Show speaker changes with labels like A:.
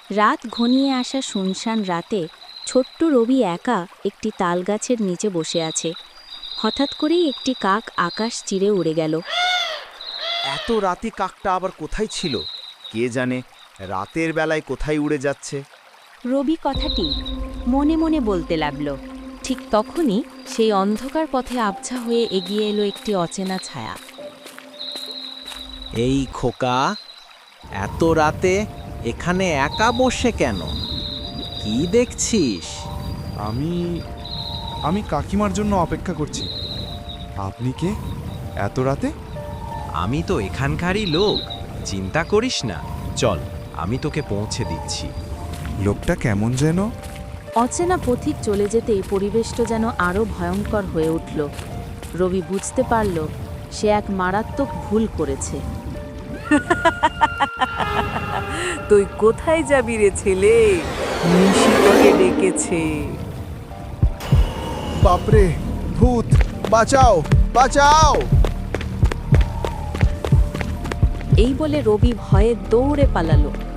A: রাত ঘনিয়ে আসা শুনশান রাতে ছোট্ট রবি একা একটি তালগাছের নিচে বসে আছে। হঠাৎ করেই একটি কাক আকাশ চিরে উড়ে গেল।
B: এত রাতে কাকটা আবার কোথায় ছিল? কে জানে রাতের বেলায় কোথায় উড়ে যাচ্ছে।
A: রবি কথাটি মনে মনে বলতে লাগল। ঠিক তখনই সেই অন্ধকার পথে আবছা হয়ে এগিয়ে এলো একটি অচেনা ছায়া।
C: এই খোকা, এত রাতে এখানে একা বসে কেন? কি দেখছিস?
D: আমি আমি কাকিমার জন্য অপেক্ষা করছি। আপনি কে এত রাতে?
E: আমি তো এখানকারই লোক, চিন্তা করিস না। চল, আমি তোকে পৌঁছে দিচ্ছি।
D: লোকটা কেমন যেন?
A: অচেনা পথিক চলে যেতেই পরিবেশটা যেন আরও ভয়ঙ্কর হয়ে উঠল। রবি বুঝতে পারল সে এক মারাত্মক ভুল করেছে।
F: তুই কোথায় যাবি রে ছেলে? নিশি তোকে ডেকেছে।
D: বাপরে, ভূত! বাঁচাও, বাঁচাও!
A: এই বলে রবি ভয়ে দৌড়ে পালালো।